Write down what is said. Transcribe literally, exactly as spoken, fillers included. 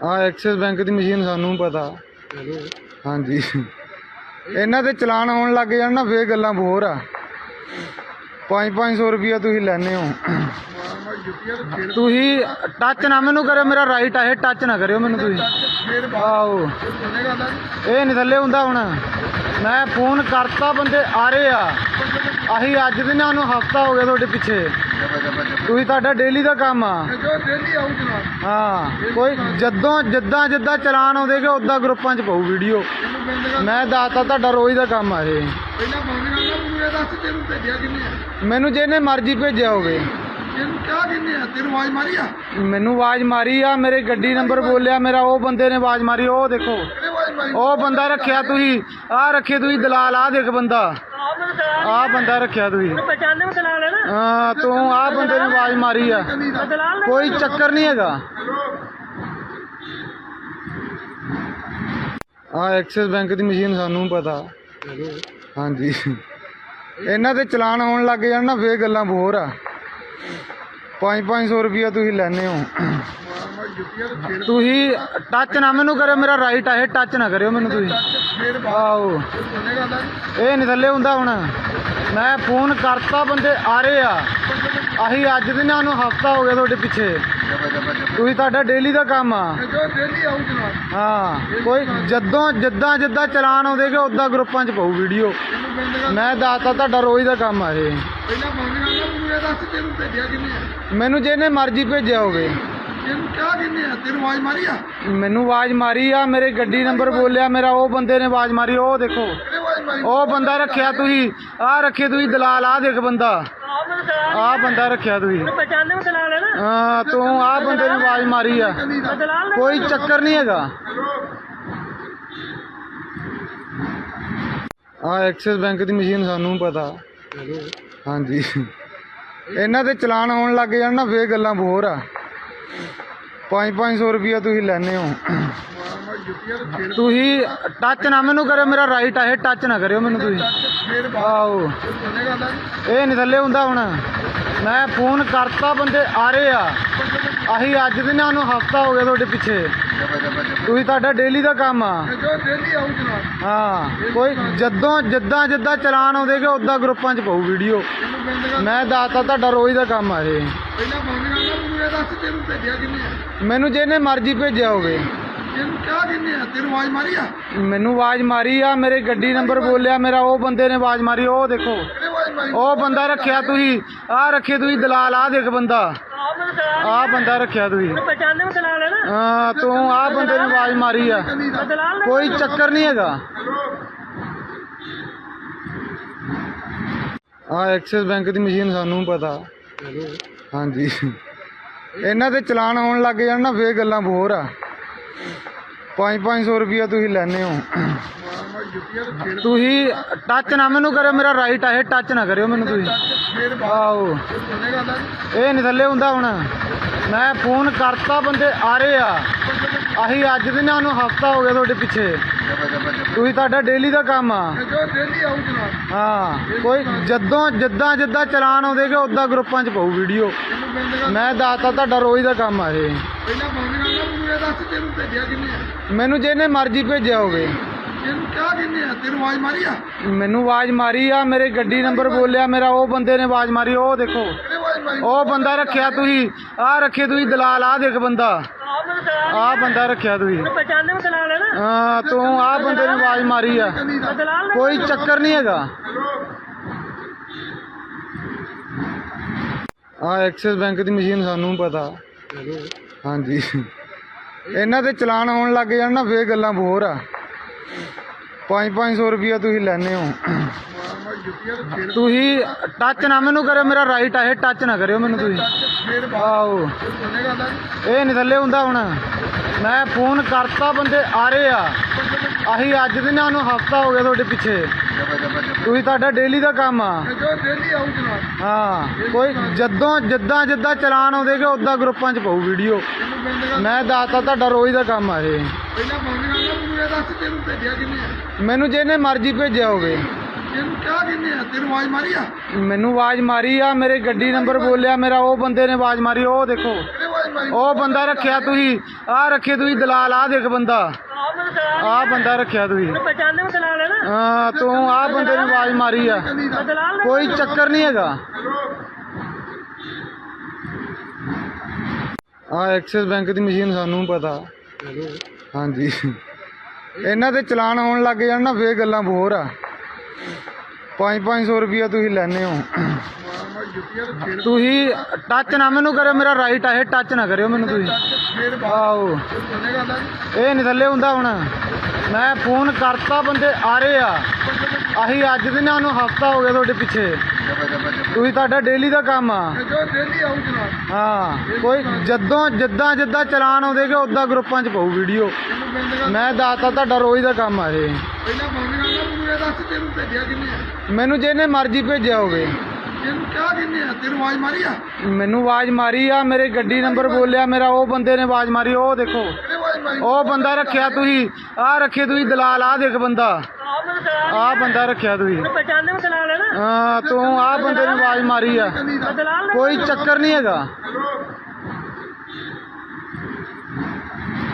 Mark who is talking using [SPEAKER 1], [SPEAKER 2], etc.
[SPEAKER 1] ਆ Axis bank ਦੀ machine ਸਾਨੂੰ ਪਤਾ। ਹਾਂਜੀ ਇਹਨਾਂ ਦੇ ਚਲਾਨ ਆਉਣ ਲੱਗ ਜਾਣ ਨਾ ਫੇਰ ਗੱਲਾਂ ਹੋਰ ਆ। ਪੰਜ ਪੰਜ ਸੌ ਰੁਪਈਆ ਤੁਸੀਂ ਲੈਂਦੇ ਹੋ। ਤੁਸੀਂ ਟੱਚ ਨਾ ਮੈਨੂੰ ਕਰਿਓ, ਮੇਰਾ ਰਾਈਟ ਆ ਇਹ, ਟੱਚ ਨਾ ਕਰਿਓ ਮੈਨੂੰ ਤੁਸੀਂ। ਆਹੋ ਇਹ ਨਹੀਂ ਥੱਲੇ ਹੁੰਦਾ। ਹੁਣ ਮੈਂ ਫੋਨ ਕਰਤਾ, ਬੰਦੇ ਆ ਰਹੇ ਆ। ਅਸੀਂ ਅੱਜ ਦੇ ਨਾ ਉਹਨੂੰ ਹਫਤਾ ਹੋ ਗਿਆ ਤੁਹਾਡੇ ਪਿੱਛੇ। ਤੁਸੀਂ ਤੁਹਾਡਾ ਡੇਲੀ ਦਾ ਕੰਮ ਆ। ਹਾਂ ਕੋਈ ਜਦੋਂ ਜਿੱਦਾਂ ਜਿੱਦਾਂ ਚਲਾਨ ਆਉਂਦੇਗੇ ਉੱਦਾਂ ਗਰੁੱਪਾਂ 'ਚ ਪਾਊ ਵੀਡੀਓ। ਮੈਂ ਦੱਸਤਾ ਤੁਹਾਡਾ ਰੋਜ਼ ਦਾ ਕੰਮ ਆ ਇਹ। ਮੈਨੂੰ ਜਿਹਨੇ ਮਰਜ਼ੀ ਭੇਜਿਆ ਹੋਵੇ। ਮੈਨੂੰ ਆਵਾਜ਼ ਮਾਰੀ ਆ, ਮੇਰੇ ਗੱਡੀ ਨੰਬਰ ਬੋਲਿਆ ਮੇਰਾ, ਉਹ ਬੰਦੇ ਨੇ ਆਵਾਜ਼ ਮਾਰੀ। ਉਹ ਦੇਖੋ ਉਹ ਬੰਦਾ ਰੱਖਿਆ ਤੁਸੀਂ, ਆਹ ਰੱਖੇ ਤੁਸੀਂ ਦਲਾਲ। ਆਹ ਦੇਖ ਬੰਦਾ, ਆਹ ਬੰਦਾ ਰੱਖਿਆ ਤੁਸੀਂ। ਹਾਂ ਤੂੰ ਆਹ ਬੰਦੇ ਨੇ ਆਵਾਜ਼ ਮਾਰੀ ਆ। ਕੋਈ ਚੱਕਰ ਨਹੀਂ ਹੈਗਾ। ਆ ਐਕਸਿਸ ਬੈਂਕ ਦੀ ਮਸ਼ੀਨ ਸਾਨੂੰ ਪਤਾ। ਹਾਂਜੀ ਇਹਨਾਂ ਦੇ ਚਲਾਨ ਆਉਣ ਲੱਗ ਜਾਣ ਨਾ ਫੇਰ ਗੱਲਾਂ ਹੋਰ ਆ। ਪੰਜ ਪੰਜ ਸੌ ਰੁਪਈਆ ਤੁਸੀਂ ਲੈਂਦੇ ਹੋ। ਤੁਸੀਂ ਟੱਚ ਨਾ ਮੈਨੂੰ ਕਰਿਓ, ਮੇਰਾ ਰਾਈਟ ਆ ਇਹ, ਟੱਚ ਨਾ ਕਰਿਓ ਮੈਨੂੰ ਤੁਸੀਂ। ਆਹੋ ਇਹ ਨਹੀਂ ਥੱਲੇ ਹੁੰਦਾ। ਹੁਣ ਮੈਂ ਫੋਨ ਕਰਤਾ, ਬੰਦੇ ਆ ਰਹੇ ਆ। ਅਸੀਂ ਅੱਜ ਦੇ ਨਾ ਉਹਨੂੰ ਹਫਤਾ ਹੋ ਗਿਆ ਤੁਹਾਡੇ ਪਿੱਛੇ। ਤੁਸੀਂ ਤੁਹਾਡਾ ਡੇਲੀ ਦਾ ਕੰਮ ਆ। ਹਾਂ ਕੋਈ ਜਦੋਂ ਜਿੱਦਾਂ ਜਿੱਦਾਂ ਚਲਾਨ ਆਉਂਦੇਗੇ ਉੱਦਾਂ ਗਰੁੱਪਾਂ 'ਚ ਪਾਊ ਵੀਡੀਓ। ਮੈਂ ਦੱਸਤਾ ਤੁਹਾਡਾ ਰੋਜ਼ ਦਾ ਕੰਮ ਆ ਇਹ। ਮੈਨੂੰ ਜਿਹਨੇ ਮਰਜ਼ੀ ਭੇਜਿਆ ਹੋਵੇ। ਮੈਨੂੰ ਆਵਾਜ਼ ਮਾਰੀ ਆ, ਮੇਰੇ ਗੱਡੀ ਨੰਬਰ ਬੋਲਿਆ ਮੇਰਾ, ਉਹ ਬੰਦੇ ਨੇ ਆਵਾਜ਼ ਮਾਰੀ। ਉਹ ਦੇਖੋ ਉਹ ਬੰਦਾ ਰੱਖਿਆ ਤੁਸੀਂ, ਆਹ ਰੱਖੇ ਤੁਸੀਂ ਦਲਾਲ। ਆਹ ਦੇਖ ਬੰਦਾ, ਆਹ ਬੰਦਾ ਰੱਖਿਆ ਤੁਸੀਂ। ਹਾਂ ਤੂੰ ਆਹ ਬੰਦੇ ਨੇ ਆਵਾਜ਼ ਮਾਰੀ ਆ। ਕੋਈ ਚੱਕਰ ਨਹੀਂ ਹੈਗਾ। ਆ ਐਕਸਿਸ ਬੈਂਕ ਦੀ ਮਸ਼ੀਨ ਸਾਨੂੰ ਪਤਾ। ਹਾਂਜੀ ਇਹਨਾਂ ਦੇ ਚਲਾਨ ਆਉਣ ਲੱਗ ਜਾਣ ਨਾ ਫੇਰ ਗੱਲਾਂ ਹੋਰ ਆ। ਪੰਜ ਪੰਜ ਸੌ ਰੁਪਈਆ ਤੁਸੀਂ ਲੈਂਦੇ ਹੋ। ਤੁਸੀਂ ਟੱਚ ਨਾ ਮੈਨੂੰ ਕਰਿਓ, ਮੇਰਾ ਰਾਈਟ ਆ ਇਹ, ਟੱਚ ਨਾ ਕਰਿਓ ਮੈਨੂੰ ਤੁਸੀਂ। ਆਹੋ ਇਹ ਨਹੀਂ ਥੱਲੇ ਹੁੰਦਾ। ਹੁਣ ਮੈਂ ਫੋਨ ਕਰਤਾ, ਬੰਦੇ ਆ ਰਹੇ ਆ। ਅਸੀਂ ਅੱਜ ਦੇ ਨਾ ਉਹਨੂੰ ਹਫਤਾ ਹੋ ਗਿਆ ਤੁਹਾਡੇ ਪਿੱਛੇ। ਤੁਸੀਂ ਤੁਹਾਡਾ ਡੇਲੀ ਦਾ ਕੰਮ ਆ। ਹਾਂ ਕੋਈ ਜਦੋਂ ਜਿੱਦਾਂ ਜਿੱਦਾਂ ਚਲਾਨ ਆਉਂਦੇਗੇ ਉੱਦਾਂ ਗਰੁੱਪਾਂ 'ਚ ਪਾਊ ਵੀਡੀਓ। ਮੈਂ ਦੱਸਤਾ ਤੁਹਾਡਾ ਰੋਜ਼ ਦਾ ਕੰਮ ਆ ਇਹ। ਮੈਨੂੰ ਜਿਹਨੇ ਮਰਜ਼ੀ ਭੇਜਿਆ ਹੋਵੇ। ਮੈਨੂੰ ਆਵਾਜ਼ ਮਾਰੀ ਆ, ਮੇਰੇ ਗੱਡੀ ਨੰਬਰ ਬੋਲਿਆ ਮੇਰਾ, ਉਹ ਬੰਦੇ ਨੇ ਆਵਾਜ਼ ਮਾਰੀ। ਉਹ ਦੇਖੋ ਉਹ ਬੰਦਾ ਰੱਖਿਆ ਤੁਸੀਂ, ਆਹ ਰੱਖੇ ਤੁਸੀਂ ਦਲਾਲ। ਆਹ ਦੇਖ ਬੰਦਾ, ਆਹ ਬੰਦਾ ਰੱਖਿਆ ਤੁਸੀਂ। ਹਾਂ ਤੂੰ ਆਹ ਬੰਦੇ ਨੇ ਆਵਾਜ਼ ਮਾਰੀ ਆ। ਕੋਈ ਚੱਕਰ ਨਹੀਂ ਹੈਗਾ। ਆ ਐਕਸਿਸ ਬੈਂਕ ਦੀ ਮਸ਼ੀਨ ਸਾਨੂੰ ਪਤਾ। ਹਾਂਜੀ ਇਹਨਾਂ ਦੇ ਚਲਾਨ ਆਉਣ ਲੱਗ ਜਾਣ ਨਾ ਫੇਰ ਗੱਲਾਂ ਹੋਰ ਆ। ਪੰਜ ਪੰਜ ਸੌ ਰੁਪਈਆ ਤੁਸੀਂ ਲੈਂਦੇ ਹੋ। ਤੁਸੀਂ ਟੱਚ ਨਾ ਮੈਨੂੰ ਕਰਿਓ, ਮੇਰਾ ਰਾਈਟ ਆ ਇਹ, ਟੱਚ ਨਾ ਕਰਿਓ ਮੈਨੂੰ ਤੁਸੀਂ। ਆਹੋ ਇਹ ਨਹੀਂ ਥੱਲੇ ਹੁੰਦਾ। ਹੁਣ ਮੈਂ ਫੋਨ ਕਰਤਾ, ਬੰਦੇ ਆ ਰਹੇ ਆ। ਅਸੀਂ ਅੱਜ ਦੇ ਨਾ ਉਹਨੂੰ ਹਫਤਾ ਹੋ ਗਿਆ ਤੁਹਾਡੇ ਪਿੱਛੇ। ਤੁਸੀਂ ਤੁਹਾਡਾ ਡੇਲੀ ਦਾ ਕੰਮ ਆ। ਹਾਂ ਕੋਈ ਜਦੋਂ ਜਿੱਦਾਂ ਜਿੱਦਾਂ ਚਲਾਨ ਆਉਂਦੇਗੇ ਉੱਦਾਂ ਗਰੁੱਪਾਂ 'ਚ ਪਾਊ ਵੀਡੀਓ। ਮੈਂ ਦੱਸਤਾ ਤੁਹਾਡਾ ਰੋਜ਼ ਦਾ ਕੰਮ ਆ ਇਹ। ਮੈਨੂੰ ਜਿਹਨੇ ਮਰਜ਼ੀ ਭੇਜਿਆ ਹੋਵੇ। ਮੈਨੂੰ ਆਵਾਜ਼ ਮਾਰੀ ਆ, ਮੇਰੇ ਗੱਡੀ ਨੰਬਰ ਬੋਲਿਆ ਮੇਰਾ, ਉਹ ਬੰਦੇ ਨੇ ਆਵਾਜ਼ ਮਾਰੀ। ਉਹ ਦੇਖੋ ਉਹ ਬੰਦਾ ਰੱਖਿਆ ਤੁਸੀਂ, ਆਹ ਰੱਖੇ ਤੁਸੀਂ ਦਲਾਲ। ਆਹ ਦੇਖ ਬੰਦਾ, ਆਹ ਬੰਦਾ ਰੱਖਿਆ ਤੁਸੀਂ। ਹਾਂ ਤੂੰ ਆਹ ਬੰਦੇ ਨੇ ਆਵਾਜ਼ ਮਾਰੀ ਆ। ਕੋਈ ਚੱਕਰ ਨਹੀਂ ਹੈਗਾ। ਆ ਐਕਸਿਸ ਬੈਂਕ ਦੀ ਮਸ਼ੀਨ ਸਾਨੂੰ ਪਤਾ। ਹਾਂਜੀ ਇਹਨਾਂ ਦੇ ਚਲਾਨ ਆਉਣ ਲੱਗ ਜਾਣ ਨਾ ਫੇਰ ਗੱਲਾਂ ਹੋਰ ਆ। ਪੰਜ ਪੰਜ ਸੌ ਰੁਪਈਆ ਤੁਸੀਂ ਲੈਂਦੇ ਹੋ। ਤੁਸੀਂ ਟੱਚ ਨਾ ਮੈਨੂੰ ਕਰਿਓ, ਮੇਰਾ ਰਾਈਟ ਆ ਇਹ, ਟੱਚ ਨਾ ਕਰਿਓ ਮੈਨੂੰ ਤੁਸੀਂ। ਆਹੋ ਇਹ ਨਹੀਂ ਥੱਲੇ ਹੁੰਦਾ। ਹੁਣ ਮੈਂ ਫੋਨ ਕਰਤਾ, ਬੰਦੇ ਆ ਰਹੇ ਆ। ਅਸੀਂ ਅੱਜ ਦੇ ਨਾ ਉਹਨੂੰ ਹਫਤਾ ਹੋ ਗਿਆ ਤੁਹਾਡੇ ਪਿੱਛੇ। ਤੁਸੀਂ ਤੁਹਾਡਾ ਡੇਲੀ ਦਾ ਕੰਮ ਆ। ਹਾਂ ਕੋਈ ਜਦੋਂ ਜਿੱਦਾਂ ਜਿੱਦਾਂ ਚਲਾਨ ਆਉਂਦੇਗੇ ਉੱਦਾਂ ਗਰੁੱਪਾਂ 'ਚ ਪਾਊ ਵੀਡੀਓ। ਮੈਂ ਦੱਸਤਾ ਤੁਹਾਡਾ ਰੋਜ਼ ਦਾ ਕੰਮ ਆ ਇਹ। ਮੈਨੂੰ ਜਿਹਨੇ ਮਰਜ਼ੀ ਭੇਜਿਆ ਹੋਵੇ।
[SPEAKER 2] ਇਹਨੂੰ ਕਿਆ ਕਹਿੰਦੇ ਆ ਤੈਨੂੰ ਆਵਾਜ਼ ਮਾਰੀ ਆ
[SPEAKER 1] ਮੈਨੂੰ ਆਵਾਜ਼ ਮਾਰੀ ਆ, ਮੇਰੇ ਗੱਡੀ ਨੰਬਰ ਬੋਲਿਆ ਮੇਰਾ, ਉਹ ਬੰਦੇ ਨੇ ਆਵਾਜ਼ ਮਾਰੀ। ਉਹ ਦੇਖੋ
[SPEAKER 2] ਕਿਹਨੇ ਆਵਾਜ਼ ਮਾਰੀ
[SPEAKER 1] ਉਹ ਬੰਦਾ ਰੱਖਿਆ ਤੁਸੀਂ, ਆਹ ਰੱਖੇ ਤੁਸੀਂ ਦਲਾਲ, ਆਹ ਦੇਖ ਬੰਦਾ, ਆਹ ਬੰਦਾ ਰੱਖਿਆ ਤੁਸੀਂ।
[SPEAKER 3] ਪਛਾਣਦੇ ਹੋ ਦਲਾਲ ਹੈ ਨਾ?
[SPEAKER 1] ਹਾਂ ਤੂੰ ਆਹ ਬੰਦੇ ਨੇ ਆਵਾਜ਼ ਮਾਰੀ ਆ,
[SPEAKER 3] ਦਲਾਲ ਨੇ
[SPEAKER 1] ਕੋਈ ਚੱਕਰ ਨਹੀਂ ਹੈਗਾ। ਆ ਐਕਸਿਸ ਬੈਂਕ ਦੀ ਮਸ਼ੀਨ ਸਾਨੂੰ ਪਤਾ। ਹਾਂਜੀ ਇਹਨਾਂ ਦੇ ਚਲਾਨ ਆਉਣ ਲੱਗ ਜਾਣ ਨਾ ਫੇਰ ਗੱਲਾਂ ਹੋਰ ਆ। ਪੰਜ ਪੰਜ ਸੌ ਰੁਪਇਆ ਤੁਸੀਂ ਲੈਣੇ ਹੋ। ਤੁਸੀਂ ਟੱਚ ਨਾ ਮੈਨੂੰ ਕਰਿਓ, ਮੇਰਾ ਰਾਈਟ ਆ ਇਹ, ਟੱਚ ਨਾ ਕਰਿਓ ਮੈਨੂੰ ਤੁਸੀਂ। ਆਹੋ ਇਹ ਨਹੀਂ ਥੱਲੇ ਹੁੰਦਾ। ਹੁਣ ਮੈਂ ਫੋਨ ਕਰਤਾ, ਬੰਦੇ ਆ ਰਹੇ ਆ। ਅਸੀਂ ਅੱਜ ਦੇ ਨਾ ਉਹਨੂੰ ਹਫਤਾ ਹੋ ਗਿਆ ਤੁਹਾਡੇ ਪਿੱਛੇ। ਤੁਸੀਂ ਤੁਹਾਡਾ ਡੇਲੀ ਦਾ ਕੰਮ ਆ। ਹਾਂ ਕੋਈ ਜਦੋਂ ਜਿੱਦਾਂ ਜਿੱਦਾਂ ਚਲਾਨ ਆਉਂਦੇ ਕਿ ਉੱਦਾਂ ਗਰੁੱਪਾਂ 'ਚ ਪਾਉ ਵੀਡੀਓ। ਮੈਂ ਦੱਸਤਾ ਤੁਹਾਡਾ ਰੋਜ਼ ਦਾ ਕੰਮ ਆ ਇਹ।
[SPEAKER 2] ਪਹਿਲਾਂ ਫੋਨ ਕਰਨਾ ਮੈਨੂੰ ਇਹ ਦੱਸ ਤੈਨੂੰ ਭੇਜਿਆ ਕਿੰਨੇ ਆ
[SPEAKER 1] ਮੈਨੂੰ ਜਿਹਨੇ ਮਰਜ਼ੀ ਭੇਜਿਆ ਹੋਵੇ।
[SPEAKER 2] ਇਹਨੂੰ ਕਿਆ ਕਹਿੰਦੇ ਆ ਤੈਨੂੰ ਆਵਾਜ਼ ਮਾਰੀ ਆ
[SPEAKER 1] ਮੈਨੂੰ ਆਵਾਜ਼ ਮਾਰੀ ਆ, ਮੇਰੇ ਗੱਡੀ ਨੰਬਰ ਬੋਲਿਆ ਮੇਰਾ, ਉਹ ਬੰਦੇ ਨੇ ਆਵਾਜ਼ ਮਾਰੀ। ਉਹ ਦੇਖੋ
[SPEAKER 2] ਕਿਹਨੇ ਆਵਾਜ਼ ਮਾਰੀ
[SPEAKER 1] ਉਹ ਬੰਦਾ ਰੱਖਿਆ ਤੁਸੀਂ, ਆਹ ਰੱਖੇ ਤੁਸੀਂ ਦਲਾਲ, ਆਹ ਦੇਖ ਬੰਦਾ, ਆਹ ਬੰਦਾ ਰੱਖਿਆ ਤੁਸੀਂ।
[SPEAKER 3] ਪਛਾਣਦੇ ਹੋ ਦਲਾਲ ਹੈ ਨਾ?
[SPEAKER 1] ਹਾਂ ਤੂੰ ਆਹ ਬੰਦੇ ਨੇ ਆਵਾਜ਼ ਮਾਰੀ ਆ,
[SPEAKER 3] ਦਲਾਲ ਨੇ
[SPEAKER 1] ਕੋਈ ਚੱਕਰ ਨਹੀਂ ਹੈਗਾ।